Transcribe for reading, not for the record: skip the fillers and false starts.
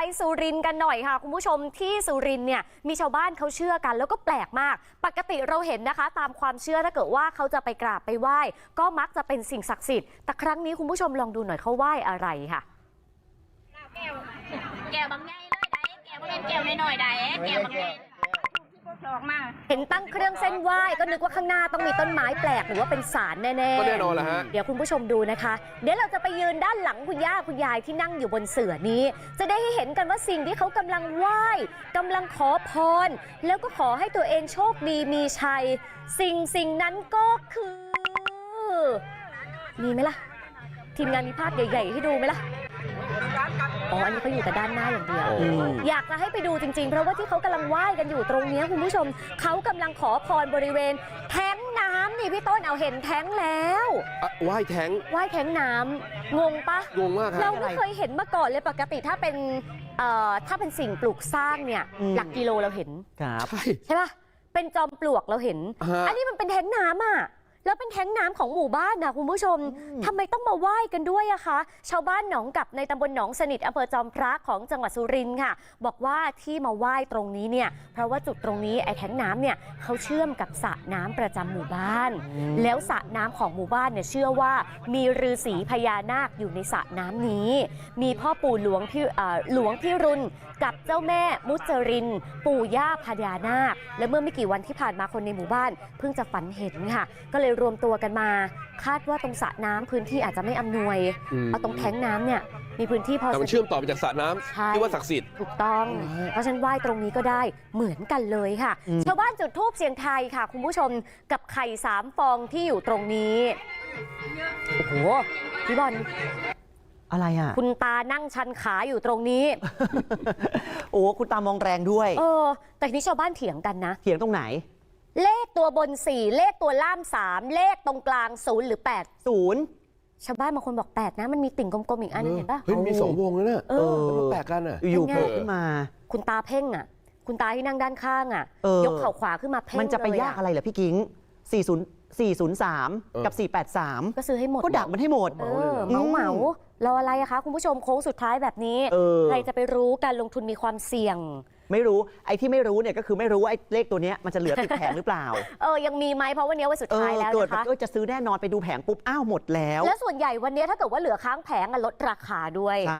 สุรินทร์กันหน่อยค่ะคุณผู้ชมที่สุรินทร์เนี่ยมีชาวบ้านเขาเชื่อกันแล้วก็แปลกมากปกติเราเห็นนะคะตามความเชื่อถ้าเกิดว่าเขาจะไปกราบไปไหว้ก็มักจะเป็นสิ่งศักดิ์สิทธิ์แต่ครั้งนี้คุณผู้ชมลองดูหน่อยเขาไหว้อะไรค่ะแก้วบางใหญ่เลยได้แก้วบางแก้วน้อยๆได้แก้วบางใหญ่เห็นตั้งเครื่องเส้นไหว้ก็นึกว่าข้างหน้าต้องมีต้นไม้แปลกหรือว่าเป็นศาลแน่ๆก็แน่นอนแหละฮะเดี๋ยวคุณผู้ชมดูนะคะเดี๋ยวเราจะไปยืนด้านหลังคุณย่าคุณยายที่นั่งอยู่บนเสื่อนี้จะได้ให้เห็นกันว่าสิ่งที่เขากำลังไหว้กำลังขอพรแล้วก็ขอให้ตัวเองโชคดีมีชัยสิ่งนั้นก็คือมีไหมล่ะทีมงานมีภาพใหญ่ๆให้ดูไหมล่ะอ๋ออันนี้เขาอยู่แต่ด้านหน้าอย่างเดียวอยากจะให้ไปดูจริงๆเพราะว่าที่เขากำลังไหว้กันอยู่ตรงนี้คุณผู้ชมเขากำลังขอพรบริเวณแท้งน้ำนี่พี่ต้นเอาเห็นแท้งแล้วไหว้แท้งน้ำงงปะงงมากครับเราไม่เคยเห็นมาก่อนเลยปกติถ้าเป็นสิ่งปลูกสร้างเนี่ยหลักกิโลเราเห็นใช่ปะเป็นจอมปลวกเราเห็นอันนี้มันเป็นแท้งน้ำอ่ะแล้วเป็นแท้งน้ำของหมู่บ้านนะคุณผู้ชมทำไมต้องมาไหว้กันด้วยอะคะชาวบ้านหนองกับในตำบลหนองสนิทอำเภอจอมพระของจังหวัดสุรินทร์ค่ะบอกว่าที่มาไหว้ตรงนี้เนี่ยเพราะว่าจุดตรงนี้ไอ้แท้งน้ำเนี่ยเขาเชื่อมกับสระน้ำประจำหมู่บ้านแล้วสระน้ำของหมู่บ้านเนี่ยเชื่อว่ามีฤาษีพญานาคอยู่ในสระน้ำนี้มีพ่อปู่หลวงพี่รุนกับเจ้าแม่มุจรินปู่ย่าพญานาคและเมื่อไม่กี่วันที่ผ่านมาคนในหมู่บ้านเพิ่งจะฝันเห็นค่ะก็เลยรวมตัวกันมาคาดว่าตรงสระน้ำพื้นที่อาจจะไม่อำนวยเอาตรงแท้งน้ำเนี่ยมีพื้นที่พอมันเชื่อมต่อไปจากสระน้ำที่ว่าศักดิ์สิทธิ์ถูกต้องเพราะฉะนั้นไหว้ตรงนี้ก็ได้เหมือนกันเลยค่ะชาวบ้านจุดธูปเสียงไทยค่ะคุณผู้ชมกับไข่3 ฟองที่อยู่ตรงนี้โอ้โหพี่บอลอะไรอ่ะคุณตานั่งชันขาอยู่ตรงนี้โอ้คุณตามองแรงด้วยแต่ทีนี้ชาวบ้านเถียงกันนะเถียงตรงไหนเลขตัวบน4เลขตัวล่าม3เลขตรงกลาง0หรือ8 0ชาวบ้านบางคนบอก8นะมันมีติ่งกลมๆอีกอันนึงเห็นปะเฮ้ยมี2 วงแล้วเนี่ยมันแปลกกันอ่ะอยู่โผล่ขึ้นมาคุณตาเพ่งอ่ะคุณตาที่นั่งด้านข้างอ่ะยกเข่าขวาขึ้นมาเพ่งมันจะไปยากอะไรเหรอพี่กิ้ง403กับ483 ก็ซื้อให้หมดก็ดักมันให้หมดเหมารออะไรอะคะคุณผู้ชมโค้งสุดท้ายแบบนี้ใครจะไปรู้การลงทุนมีความเสี่ยงไม่รู้ไอ้ที่ไม่รู้เนี่ยก็คือไม่รู้ว่าไอ้เลขตัวนี้มันจะเหลือติดแผงหรือเปล่ายังมีไหมเพราะวันนี้วันสุดท้ายแล้วนะคะจะซื้อแน่นอนไปดูแผงปุ๊บอ้าวหมดแล้วแล้วส่วนใหญ่วันนี้ถ้าเกิดว่าเหลือค้างแผงลดราคาด้วย